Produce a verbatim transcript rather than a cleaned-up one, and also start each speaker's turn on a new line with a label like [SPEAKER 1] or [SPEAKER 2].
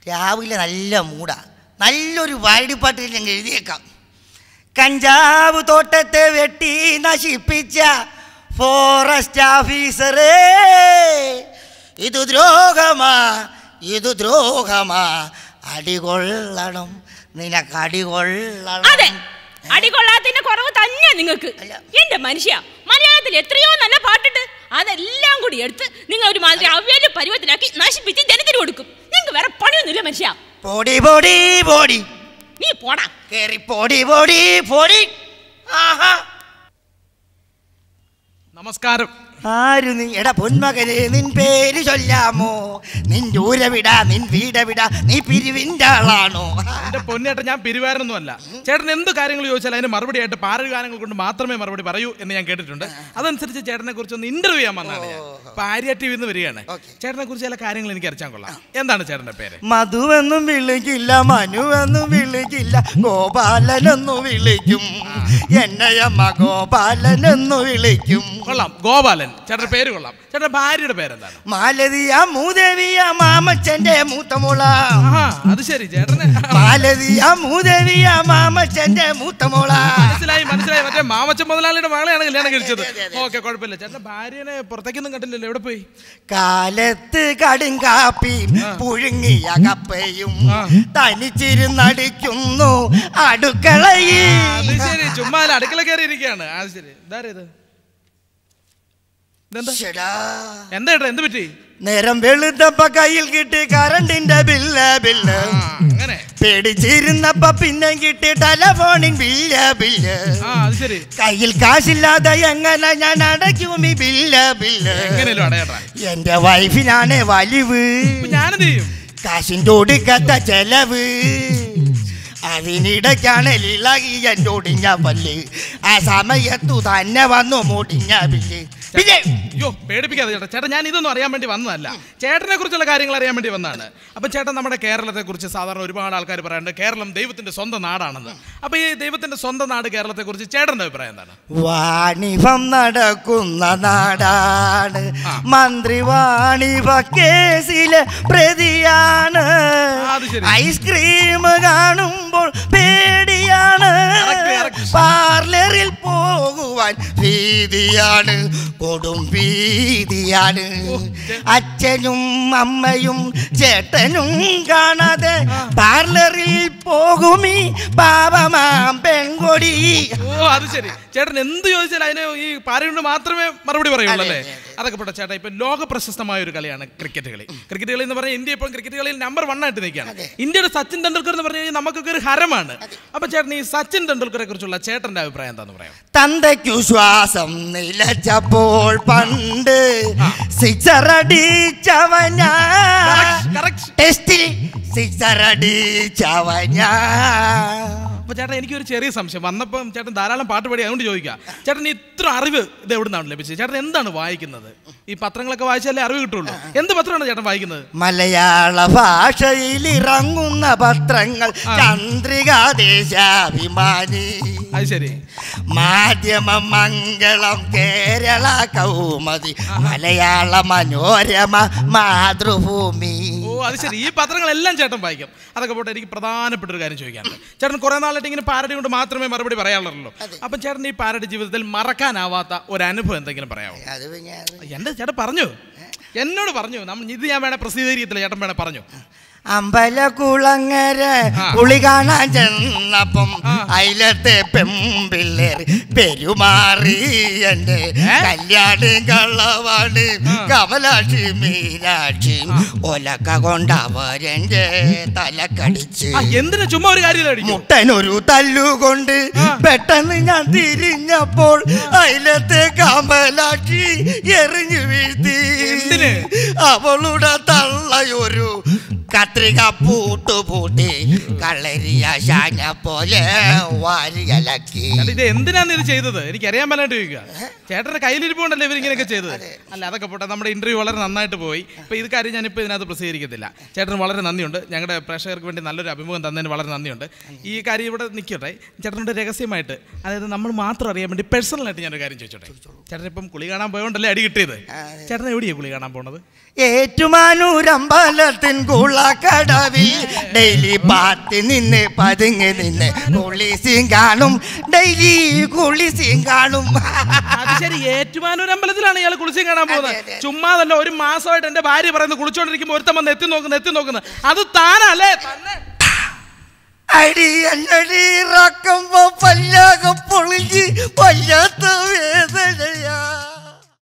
[SPEAKER 1] രാവിലെ നല്ല മൂടാ. നല്ലൊരു വാടിപ്പാട്ടിൽ ഞങ്ങൾ എഴുതിയേക്കാം. കഞ്ചാവ് തോട്ടത്തെ വെട്ടി നശിപ്പിച്ച ഫോറസ്റ്റ് ഓഫീസറേ, ഇത് ദ്രോഹമാ, ഇത് ദ്രോഹമാ, അടികൊള്ളണം, നിനക്ക് അടികൊള്ളണം.
[SPEAKER 2] അതെ, അടികൊള്ളാത്തതിന്റെ കുറവ് തന്നെ നിങ്ങൾക്ക്. എന്റെ മനുഷ്യ, മലയാളത്തിൽ എത്രയോ നല്ല പാട്ടുണ്ട്. അതെല്ലാം കൂടി എടുത്ത് നിങ്ങൾ ഒരു മാതിരി അവ്യാജ പരുവത്തിലാക്കി നശിപ്പിച്ച് ജനത്തിന് കൊടുക്കും. നിങ്ങൾക്ക് വേറെ പണിയൊന്നുമില്ല മനുഷ്യ.
[SPEAKER 1] പോടി പോടി പോടി,
[SPEAKER 2] നീ പോടാ.
[SPEAKER 1] കേറി പോടി പോടി പോടി. ആഹാ,
[SPEAKER 3] നമസ്കാരം.
[SPEAKER 1] ആരു നീ? എടാ പൊന്മകനെ, നിൻ പേര് ചൊല്ലാമോ? നിൻ ദൂരവിടാ, നിൻ വീടവിടാ, നീ പിരിവിൻ്റെ ആളാണോ?
[SPEAKER 3] എന്റെ പൊന്നേട്ട, ഞാൻ പിരിവാരൊന്നും അല്ല. ചേട്ടൻ എന്ത് കാര്യങ്ങൾ ചോദിച്ചാൽ അതിന് മറുപടി ആയിട്ട് പാരൽ ഗാനങ്ങൾ കൊണ്ട് മാത്രമേ മറുപടി പറയൂ എന്ന് ഞാൻ കേട്ടിട്ടുണ്ട്. അതനുസരിച്ച് ചേട്ടനെ കുറിച്ച് ഒന്ന് ഇന്റർവ്യൂ ചെയ്യാൻ വന്നാണ് ഞാൻ. പാര്യ ടി വിന്ന് വരികയാണ്. ചേട്ടനെ കുറിച്ച് ചില കാര്യങ്ങൾ എനിക്ക് അറിയാൻ കൊള്ളാം. എന്താണ് ചേട്ടന്റെ പേര്?
[SPEAKER 1] മധുവെന്നും വിളിക്കില്ല, മനുവെന്നും വിളിക്കില്ല, ഗോപാലനെന്നു വിളിക്കും. എന്നയമ്മ ഗോപാലനെന്നു വിളിക്കും.
[SPEAKER 3] കൊള്ളാം, ഗോപാലൻ. ചേട്ടന്റെ പേര് കൊള്ളാം. ചേട്ടന്റെ ഭാര്യയുടെ പേരെന്താണ്?
[SPEAKER 1] മാലതിയ മൂദേവിയ മാമച്ചന്റെ മൂത്തമോള.
[SPEAKER 3] അത് ശരി, ചേട്ടന്
[SPEAKER 1] മാലതിയ മൂദേവിയ മാമച്ചന്റെ മൂത്തമോള.
[SPEAKER 3] മനസ്സിലായി മനസ്സിലായി. മറ്റേ മാമച്ചൻ മുതലാളിയുടെ മകളെയാണ് കല്യാണം കഴിച്ചത്. ഓക്കെ, കുഴപ്പമില്ല. ചേട്ടന്റെ ഭാര്യനെ പുറത്തേക്കൊന്നും കണ്ടില്ലല്ലോ. എവിടെ പോയി?
[SPEAKER 1] കാലത്ത് കടുങ്കാപ്പിയും പുഴുങ്ങിയ കപ്പയും തനിച്ചിരുന്നടിക്കുന്നു അടുക്കളയിൽ.
[SPEAKER 3] അത് ശരി, ചുമ്മാ അടുക്കള കയറി ഇരിക്കുകയാണ്. അത് ശരി. ഇതാരേത്? എന്താ ഏട്ടാ, എന്ത് പറ്റി?
[SPEAKER 1] നേരം വെളുത്തപ്പ കയ്യിൽ കിട്ടി കറണ്ടിന്റെ ബില്ല് ബില്ല്.
[SPEAKER 3] അങ്ങനെ
[SPEAKER 1] പേടിച്ചിരുന്നപ്പ പിന്നെ കിട്ടി ടെലഫോണിൻ ബില്ല് ബില്ല്. കയ്യിൽ കാശില്ലാതെ എങ്ങനെ ഞാൻ അടയ്ക്കും ഈ ബില്ല് ബില്ല്? എന്റെ വൈഫിനാണ് വലിവ്, കാശിൻ്റെ ഒടുക്കത്ത ചെലവ്. അതിനിടയ്ക്കാണ് ഇളകി എൻ്റെ ഒടിഞ്ഞ പല്ല്. ആ സമയത്തു തന്നെ വന്നു മുടിഞ്ഞ ബില്ല്.
[SPEAKER 3] അയ്യോ, പേടിപ്പിക്കാതെ ചേട്ടാ. ചേട്ടാ, ഞാൻ ഇതൊന്നും അറിയാൻ വേണ്ടി വന്നതല്ല, ചേട്ടനെ കുറിച്ചുള്ള കാര്യങ്ങൾ അറിയാൻ വേണ്ടി വന്നതാണ്. അപ്പം ചേട്ടൻ, നമ്മുടെ കേരളത്തെ കുറിച്ച് സാധാരണ ഒരുപാട് ആൾക്കാർ പറയാറുണ്ട് കേരളം ദൈവത്തിന്റെ സ്വന്തം നാടാണെന്ന്. അപ്പൊ ഈ ദൈവത്തിന്റെ സ്വന്തം നാട് കേരളത്തെ കുറിച്ച് ചേട്ടന്റെ അഭിപ്രായം എന്താണ്?
[SPEAKER 1] വാണിഭം നടക്കുന്ന നാടാണ്, മന്ത്രി വാണിഭ കേസിലെ പ്രതിയാണ്. ഐസ്ക്രീം കാണുമ്പോൾ പേടിയാണ്, പാർലറിൽ പോകുവാൻ ഭീതിയാണ്, കൊടും ഭീതിയാണ്. അച്ഛനും അമ്മയും ചേട്ടനും കാണാതെ പാർലറിൽ പോകുമീ പാപമാം പെൺകൊടി.
[SPEAKER 3] ഓ, അത് ശരി. ചേട്ടൻ എന്ത് ചോദിച്ചാലും അതിന് ഈ പാരയുണ്ട് മാത്രമേ മറുപടി പറയുള്ളൂ അല്ലേ? അതൊക്കെ പോട്ടെ ചേട്ടാ. ഇപ്പൊ ലോക പ്രശസ്തമായ ഒരു കളിയാണ് ക്രിക്കറ്റ് കളി. ക്രിക്കറ്റ് കളി എന്ന് പറഞ്ഞാൽ ഇന്ത്യ ഇപ്പോൾ ക്രിക്കറ്റ് കളിയിൽ നമ്പർ വൺ ആയിട്ട് നിൽക്കുകയാണ്. ഇന്ത്യയുടെ സച്ചിൻ തെണ്ടുൽക്കർ എന്ന് പറഞ്ഞു കഴിഞ്ഞാൽ നമുക്കൊക്കെ ഒരു ഹരമാണ്. അപ്പൊ ചേട്ടൻ ഈ സച്ചിൻ തെണ്ടുൽക്കറെ കുറിച്ചുള്ള ചേട്ടന്റെ അഭിപ്രായം എന്താന്ന് പറയാം?
[SPEAKER 1] തന്തയ്ക്കു ശ്വാസം നിലച്ചപ്പോൾ പണ്ട് സിക്സർ അടിച്ചവൻ, ടെസ്റ്റിൽ സിക്സർ അടിച്ചവൻ.
[SPEAKER 3] അപ്പൊ ചേട്ടൻ, എനിക്കൊരു ചെറിയ സംശയം. വന്നപ്പം ചേട്ടൻ ധാരാളം പാട്ട് പാടി, അതുകൊണ്ട് ചോദിക്കാം. ചേട്ടൻ ഇത്ര അറിവ് ഇത് എവിടെ നിന്നാണ് ലഭിച്ചത്? ചേട്ടൻ എന്താണ് വായിക്കുന്നത്? ഈ പത്രങ്ങളൊക്കെ വായിച്ചാലേ അറിവ് കിട്ടുള്ളൂ. എന്ത് പത്രമാണ് ചേട്ടൻ വായിക്കുന്നത്?
[SPEAKER 1] മലയാള ഭാഷയിൽ ഇറങ്ങുന്ന പത്രങ്ങൾ ചന്ദ്രിക, ദേശാഭിമാനി,
[SPEAKER 3] അത് ശരി,
[SPEAKER 1] മാധ്യമം, മംഗളം, കേരള കൗമുദി, മലയാള മനോരമ, മാതൃഭൂമി.
[SPEAKER 3] ഓ, അത് ശരി. ഈ പത്രങ്ങളെല്ലാം ചേട്ടൻ വായിക്കും. അതൊക്കെ പോട്ടെ, എനിക്ക് പ്രധാനപ്പെട്ട ഒരു കാര്യം ചോദിക്കാനുണ്ട്. ചേട്ടൻ കുറെ നാളായിട്ട് ഇങ്ങനെ പാരഡി കൊണ്ട് മാത്രമേ മറുപടി പറയാറുള്ളൂ. അപ്പം ചേട്ടൻ ഈ പാരഡി ജീവിതത്തിൽ മറക്കാനാവാത്ത ഒരു അനുഭവം എന്തെങ്കിലും പറയാമോ? എന്റെ ചേട്ടൻ പറഞ്ഞു, എന്നോട് പറഞ്ഞു. നമ്മൾ ഇത് ഞാൻ വേണേ പ്രസിദ്ധീകരിക്കത്തില്ല, ചേട്ടൻ വേണേ പറഞ്ഞു.
[SPEAKER 1] അമ്പലക്കുളങ്ങര കുളി കാണാൻ ചെന്നപ്പം അയിലത്തെ പെമ്പിള്ളേർ പെരുമാറി എന്റെ കല്യാണി കള്ളവാണ് കമലാക്ഷി മീനാക്ഷി ഒലക്ക കൊണ്ടവരെന്റെ തലക്കടിച്ച്.
[SPEAKER 3] എന്തിനാ ചുമ്മാ ഒരു കാര്യം?
[SPEAKER 1] മുട്ടനൊരു തല്ലുകൊണ്ട് പെട്ടെന്ന് ഞാൻ തിരിഞ്ഞപ്പോൾ അയിലത്തെ കമലാക്ഷി എറിഞ്ഞു വീഴ്ത്തി. അവളുടെ തള്ളയൊരു കത്രിക പൂട്ടു പൂട്ടി കളരിയ ശാന പോലെ വാരിയലക്കി.
[SPEAKER 3] ഇത് എന്തിനാണ് ഇത് ചെയ്തത്? എനിക്ക് അറിയാൻ പറ്റാണ്ട് ചോദിക്കുക. ചേട്ടന്റെ കയ്യിലിരിപ്പുണ്ടല്ലോ ഇവരിങ്ങനെയൊക്കെ ചെയ്തത്. അല്ല, അതൊക്കെ പോട്ടെ. നമ്മുടെ ഇന്റർവ്യൂ വളരെ നന്നായിട്ട് പോയി. ഇപ്പൊ ഇത് കാര്യം ഞാനിപ്പോൾ ഇതിനകത്ത് പ്രസിദ്ധീകരിക്കത്തില്ല. ചേട്ടന് വളരെ നന്ദിയുണ്ട്. ഞങ്ങളുടെ പ്രേക്ഷകർക്ക് വേണ്ടി നല്ലൊരു അഭിമുഖം തന്നതിന് വളരെ നന്ദിയുണ്ട്. ഈ കാര്യം ഇവിടെ നിൽക്കട്ടെ. ചേട്ടനോട് രഹസ്യമായിട്ട്, അതായത് നമ്മൾ മാത്രം അറിയാൻ വേണ്ടി പേഴ്സണലായിട്ട് ഞാനൊരു കാര്യം ചോദിച്ചോട്ടെ. ചേട്ടൻ ഇപ്പം കുളി കാണാൻ പോയോണ്ടല്ലേ അടി കിട്ടിയത്. ചേട്ടൻ എവിടെയാണ് കുളി കാണാൻ പോണത്?
[SPEAKER 1] ഏറ്റുമാനൂരമ്പലത്തിൻ കുള കടവിൽ ഡെയിലി പാത്തി നിന്ന് പതുങ്ങി നിന്ന് കുളിസിയും കാണും ഡെയിലി കുളിസിയും കാണും.
[SPEAKER 3] അത് ശരി, ഏറ്റുമാനൂർ അമ്പലത്തിലാണ് ഇയാൾ കുളിച്ചും കാണാൻ പോകുന്നത്. ചുമ്മാതല്ല, ഒരു മാസമായിട്ട് എന്റെ ഭാര്യ പറയുന്നത് കുളിച്ചോണ്ടിരിക്കുമ്പോ ഒരുത്തം വന്ന് എത്തി നോക്കുന്നു എത്തി നോക്കുന്നത് അത് താനല്ലേ?
[SPEAKER 1] അടി അല്ലടി ഇറക്കുമ്പോ പല്ലാകെ പൊളിഞ്ഞ് വല്ലാത്ത വേദന.